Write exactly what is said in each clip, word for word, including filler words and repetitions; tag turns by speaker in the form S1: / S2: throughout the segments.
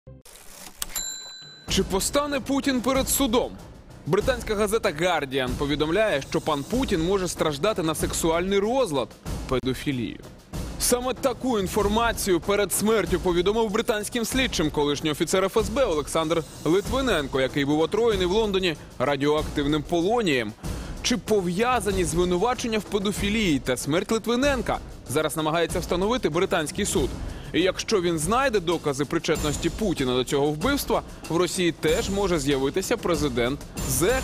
S1: Чи постане Путін перед судом? Британська газета «Гардіан» повідомляє, що пан Путін може страждати на сексуальний розлад – педофілію. Саме таку інформацію перед смертю повідомив британським слідчим колишній офіцер еф ес бе Олександр Литвиненко, який був отруєний в Лондоні радіоактивним полонієм. Чи пов'язані звинувачення в педофілії та смерть Литвиненка зараз намагається встановити британський суд. І якщо він знайде докази причетності Путіна до цього вбивства, в Росії теж може з'явитися президент зе.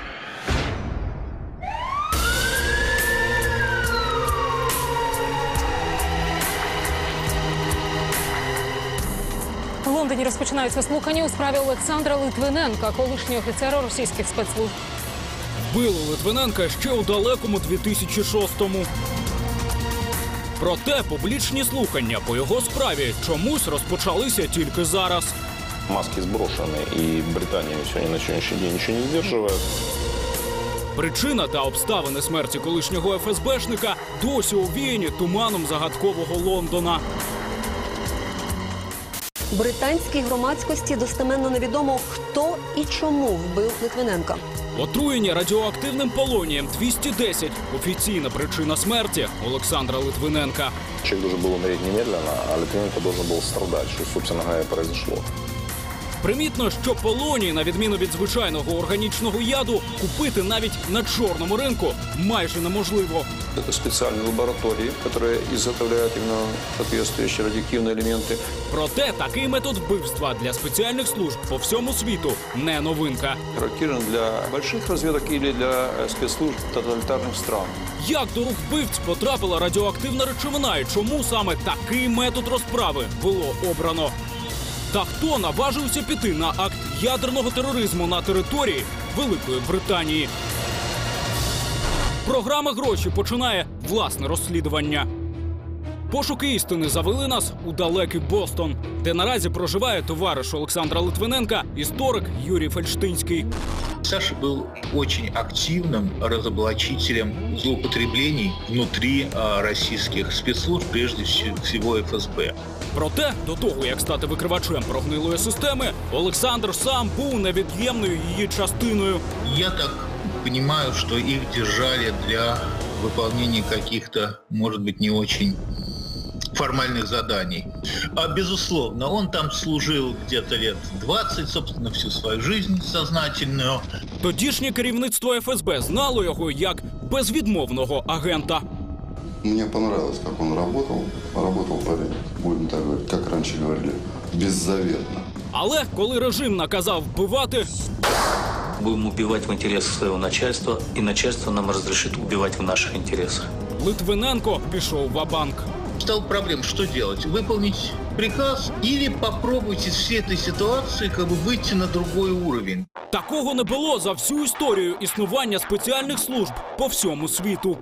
S2: В Лондоні розпочинаються слухання у справі Олександра Литвиненка, колишнього офіцера російських спецслужб.
S3: Вбили Литвиненка ще у далекому дві тисячі шостому. Проте публічні слухання по його справі чомусь розпочалися тільки зараз.
S4: Маски зброшені, і Британія сьогодні на сьогоднішній день нічого не здержує.
S3: Причина та обставини смерті колишнього еф ес бешника досі овіяні туманом загадкового Лондона.
S5: Британській громадськості достеменно невідомо, хто і чому вбив Литвиненка.
S3: Отруєння радіоактивним полонієм двісті десять – офіційна причина смерті Олександра Литвиненка.
S4: Человек должен был умереть немедленно, а Литвиненко должен был страдать, что, собственно говоря, произошло.
S3: Примітно, що полоній, на відміну від звичайного органічного яду, купити навіть на чорному ринку майже неможливо.
S4: Это специальные лаборатории, которые изготовляют именно соответствующие радиоактивные элементы.
S3: Проте такий метод вбивства для спеціальних служб по всьому світу не новинка.
S4: Характерен для больших разведок или для спецслужб тоталитарных стран.
S3: Як до рук вбивць потрапила радіоактивна речовина і чому саме такий метод розправи було обрано? Та хто наважився піти на акт ядерного тероризму на території Великої Британії? Програма «Гроші» починає власне розслідування. Пошуки істини завели нас у далекий Бостон, де наразі проживає товариш Олександра Литвиненка, історик Юрій Фельштинський.
S6: Саша был очень активным разоблачителем злоупотреблений внутри а, российских спецслужб, прежде всего эф эс бэ.
S3: Проте, до того, як стати викривачем прогнилої системи, Олександр сам був невід'ємною її частиною.
S6: Я так понимаю, что их держали для выполнения каких-то, может быть, не очень формальных заданий. А, безусловно, он там служил где-то лет двадцать, собственно, всю свою жизнь сознательную.
S3: Тодішнє керівництво еф ес бе знало його як безвідмовного агента.
S7: Мне понравилось, как он работал. Работал парень, будем так говорить, как раньше говорили, беззаветно.
S3: Але коли режим наказав вбивати,
S8: будем убивать в интересах своего начальства, и начальство нам разрешит убивать в наших интересах.
S3: Литвиненко пішов ва-банк.
S6: Стал проблем, что делать? Выполнить приказ или попробовать из всей этой ситуации как бы выйти на другой уровень?
S3: Такого не було за всю історію існування спеціальних служб по всьому світу.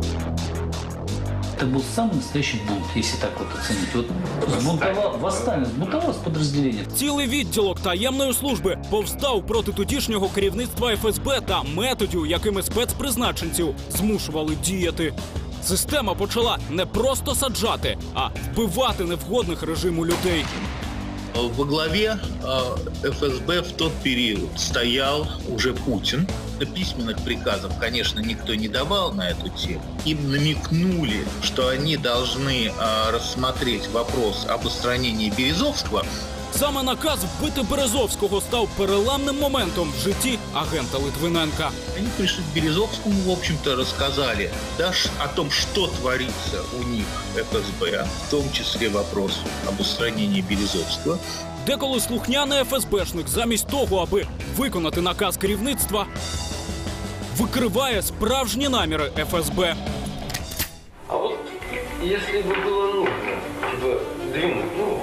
S9: Это был самый настоящий бунт, если так вот оценить. Вот сбунтовал, восстание, сбунтовалось подразделение.
S3: Цілий відділок таємної служби повстав проти тодішнього керівництва еф ес бе та методів, якими спецпризначенців змушували діяти. Система почала не просто саджати, а вбивати невгодних режиму людей.
S6: Во главе эф эс бэ в тот период стоял уже Путин. Письменных приказов, конечно, никто не давал на эту тему. Им намекнули, что они должны рассмотреть вопрос об устранении Березовского.
S3: Саме наказ вбити Березовського став переламним моментом в житті агента Литвиненка.
S6: Они пришли к Березовскому, в общем-то, рассказали да, о том, что творится у них в эф эс бэ, в том числе вопрос об устранении Березовского.
S3: Деколи слухняний еф ес бешник замість того, аби виконати наказ керівництва, викриває справжні наміри еф ес бе.
S10: А от, якщо б було нужно, типа, двинуть, ну,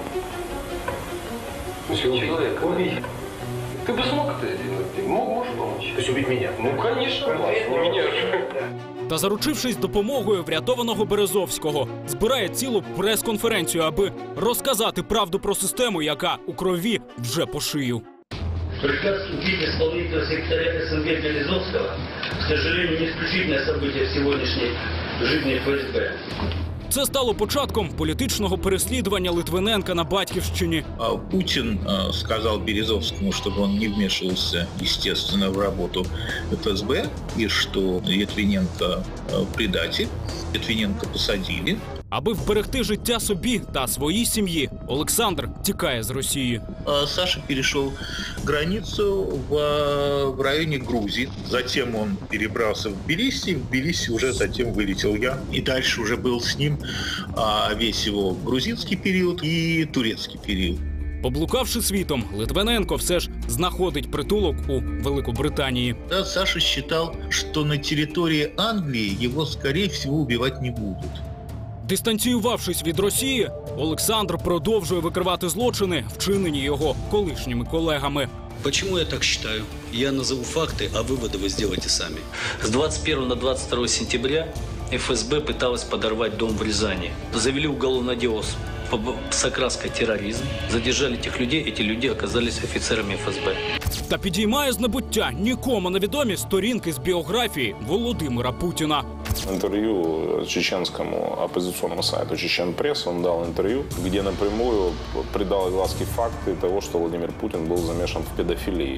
S10: человека, убить. Ты бы смог это сделать? Ты мог, можешь помочь? То есть убить меня? Ну, конечно, конечно, меня же.
S3: Та, заручившись допомогою врятованого Березовського, збирає цілу прес-конференцію, аби розказати правду про систему, яка у крові вже по шию.
S9: Приказ убить исполнительного секретаря эс эн гэ Березовского, к сожалению, не исключительное событие в сегодняшней жизни эф эс бэ.
S3: це стало початком політичного переслідування Литвиненка на батьківщині.
S6: Путин сказал Березовскому, чтобы он не вмешивался, естественно, в работу эф эс бэ, и что Литвиненко предатель. Литвиненко посадили.
S3: Аби вберегти життя собі та своїй сім'ї, Олександр тікає з Росії.
S6: Саша перешел границу в, в районе Грузии. Затем он перебрался в Тбилиси. В Тбилиси уже затем вылетел я. И дальше уже был с ним а, весь его грузинский период и турецкий период.
S3: Поблукавши світом, Литвиненко все ж знаходить притулок у Великобританії.
S6: Да, Саша считал, что на территории Англии его, скорее всего, убивать не будут.
S3: Дистанціювавшись від Росії, Олександр продовжує викривати злочини, вчинені його колишніми колегами.
S11: Почему я так считаю? Я назову факты, а выводы вы сделайте сами.
S8: С двадцать первого на двадцать второе сентября эф эс бэ пыталась подорвать дом в Рязани. Завели уголовное дело с окраской терроризм. Задержали этих людей, эти люди оказались офицерами эф эс бэ.
S3: Та підіймає з небуття нікому невідомі сторінки з біографії Володимира Путіна.
S12: Интервью чеченскому оппозиционному сайту «Чечен Пресс» он дал интервью, где напрямую придал огласке факты того, что Владимир Путин был замешан в педофилии.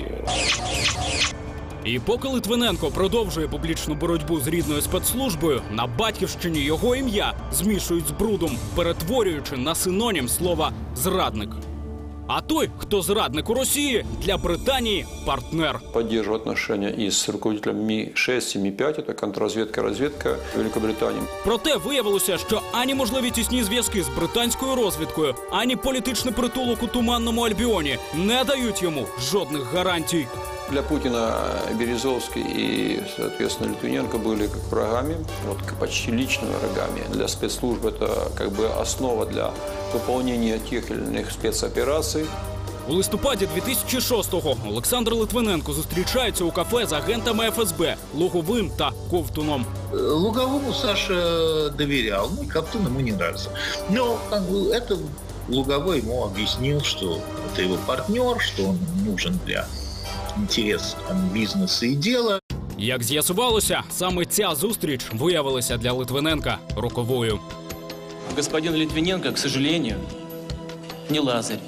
S3: І поки Литвиненко продовжує публічну боротьбу з рідною спецслужбою, на батьківщині його ім'я змішують з брудом, перетворюючи на синонім слова «зрадник». А той, хто зрадник у Росії, для Британії – партнер.
S4: Поддерживаю отношения и с руководителем Ми шесть и Ми пять, это контрразведка, разведка Великобритании.
S3: Проте виявилося, що ані можливі тісні зв'язки з британською розвідкою, ані політичний притулок у Туманному Альбіоні не дають йому жодних гарантій.
S4: Для Путина Березовский и, соответственно, Литвиненко были как врагами, вот почти личными врагами. Для спецслужб это как бы основа для выполнения тех или иных спецопераций.
S3: У листопаді дві тисячі шостого Олександр Литвиненко зустрічається у кафе з агентами еф ес бэ Луговим та Ковтуном.
S6: Луговому Саша доверял, ну и Ковтун ему не нравился. Но как бы, это Луговой ему объяснил, что это его партнер, что он нужен для інтерес бізнесу і діла.
S3: Як з'ясувалося, саме ця зустріч виявилася для Литвиненка роковою.
S13: Господин Литвиненко, к сожалению, не Лазарь.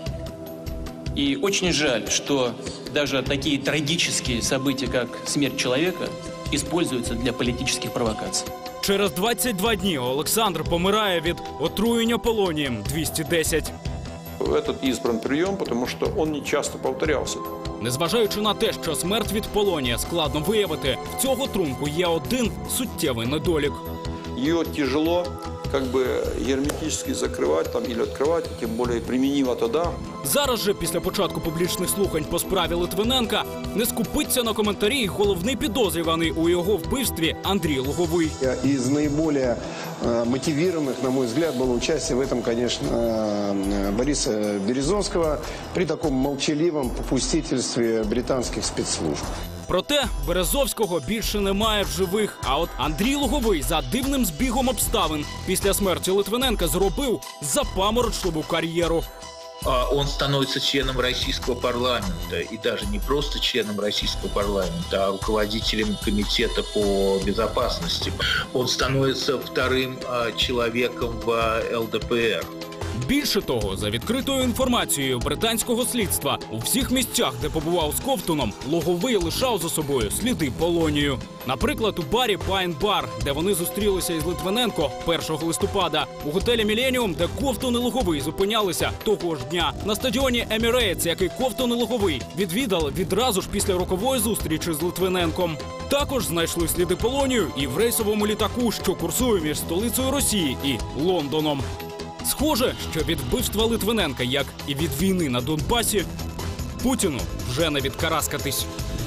S13: И очень жаль, что даже такие трагические события, как смерть человека, используются для политических провокаций.
S3: Через двадцять два дні Олександр помирає від отруєння полонієм двісті десять.
S4: Этот избран прием, потому что он не часто повторялся.
S3: Незважаючи на те, що смерть від полонія складно виявити, в цього трунку є один суттєвий недолік.
S4: Ее тяжело как бы герметически закрывать там, или открывать, тем более применимо тогда.
S3: Зараз же, після початку публічних слухань по справі Литвиненка, не скупиться на коментарі й головний підозрюваний у його вбивстві Андрій Луговий.
S14: Из наиболее мотивированных, на мой взгляд, было участие в этом, конечно, Бориса Березовского при таком молчаливом попустительстве британских спецслужб.
S3: Проте Березовського більше немає в живих. А от Андрій Луговий за дивним збігом обставин після смерті Литвиненка зробив запаморочливу кар'єру.
S6: Он становится членом российского парламента, и даже не просто членом российского парламента, а руководителем комитета по безопасности. Он становится вторым человеком в эл дэ пэ эр.
S3: Більше того, за відкритою інформацією британського слідства, у всіх місцях, де побував з Ковтуном, Луговий лишав за собою сліди полонію. Наприклад, у барі Pine Bar, де вони зустрілися із Литвиненко першого листопада, у готелі Міленіум, де Ковтун і Луговий зупинялися того ж дня, на стадіоні Емірейтс, який Ковтун і Луговий відвідали відразу ж після рокової зустрічі з Литвиненком. Також знайшли сліди полонію і в рейсовому літаку, що курсує між столицею Росії і Лондоном. Схоже, що від вбивства Литвиненка, як і від війни на Донбасі, Путіну вже не відкараскатись.